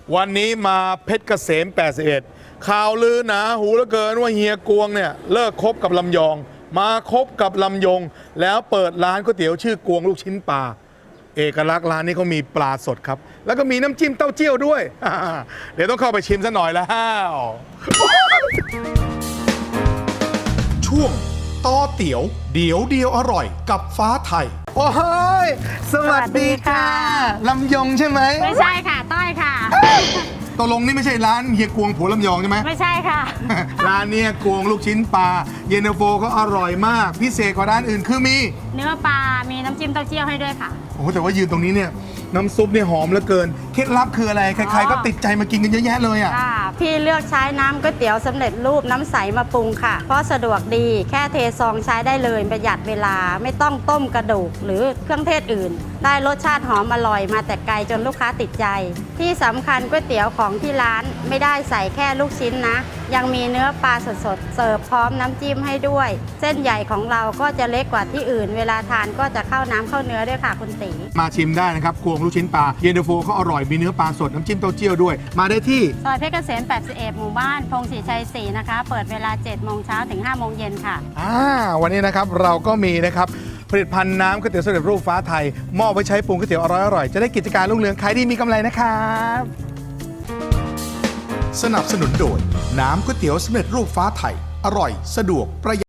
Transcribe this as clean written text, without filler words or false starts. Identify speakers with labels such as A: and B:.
A: วันนี้มาเพชรเกษม 81 ข่าวลือหนาหูเหลือเกินว่าเฮียกวงเนี่ยเลิกคบกับลำยอง มาคบกับลำยง แล้วเปิดร้านก๋วยเตี๋ยวชื่อกวงลูกชิ้นปลาเอกลักษณ์ร้านนี้เขามีปลาสดครับ แล้วก็มีน้ำจิ้มเต้าเจี้ยวด้วย เดี๋ยวต้องเข้าไปชิมซะหน่อยแล้ว
B: ช่วงต่อเตี๋ยวเดี๋ยวเดียวอร่อยกับฟ้าไทย
A: โอ้ยสวัสดีค่ะลำยงใช่ไหม
C: ไม่ใช่ค่ะ ต้อยค่ะ
A: ตกลงนี่ไม่ใช่ร้านเฮียกวงผัวลำยองใช่ไหม
C: ไม่ใช่ค่ะ
A: ร้านเนี้ยกวงลูกชิ้นปลาเย็นตาโฟก็อร่อยมาก พิเศษกว่าร้านอื่นคือมี
C: เนื้อปลา มีน้ำจิ้มเต้าเจี้ยวให้ด้วยค่ะ
A: โอ้โหแต่ว่ายืนตรงนี้เนี่ยน้ำซุปเนี่ยหอมเหลือเกินเคล็ดลับคืออะไร ใครๆก็ติดใจมากินกันเยอะแยะเลยอ่ะ
C: ค่ะ พี่เลือกใช้น้ำก๋วยเตี๋ยวสำเร็จรูปน้ำใสมาปรุงค่ะ เพราะสะดวกดีแค่เทซองใช้ได้เลยประหยัดเวลาไม่ต้องต้มกระดูกหรือเครื่องเทศอื่น ได้รสชาติหอมอร่อยมาแต่ไกลจนลูกค้าติดใจ ที่สำคัญก๋วยเตี๋ยวของที่ร้านไม่ได้ใส่แค่ลูกชิ้นนะ ยังมีเนื้อปลาสดๆเสิร์ฟพร้อมน้ำจิ้มให้ด้วย เส้นใหญ่ของเราก็จะเล็กกว่าที่อื่น เวลาทานก็จะเข้าน้ำเข้าเนื้อด้วยค่ะคุณตี
A: มาชิมได้นะครับกวงลูกชิ้นปลาเย็นตาโฟเขาอร่อยมีเนื้อปลาสดน้ำจิ้มเต้าเจี้ยวด้วย มาได้ที่
C: ซอยเพชรเกษม 81 หมู่บ้าน พงศรีชัย 4 นะคะ เปิดเวลา 7 โมงเช้าถึง 5 โมงเย็นค่ะ
A: วันนี้นะครับเราก็มีนะครับผลิตภัณฑ์น้ำก๋วยเตี๋ยวสำเร็จรูปฟ้าไทยมอบไว้ใช้ปรุงก๋วยเตี๋ยวอร่อยๆจะได้กิจการรุ่งเรืองขายดีมีกำไรนะครับ
B: สนับสนุนโดยน้ำก๋วยเตี๋ยวสำเร็จรูปฟ้าไทย อร่อยสะดวกประหยัด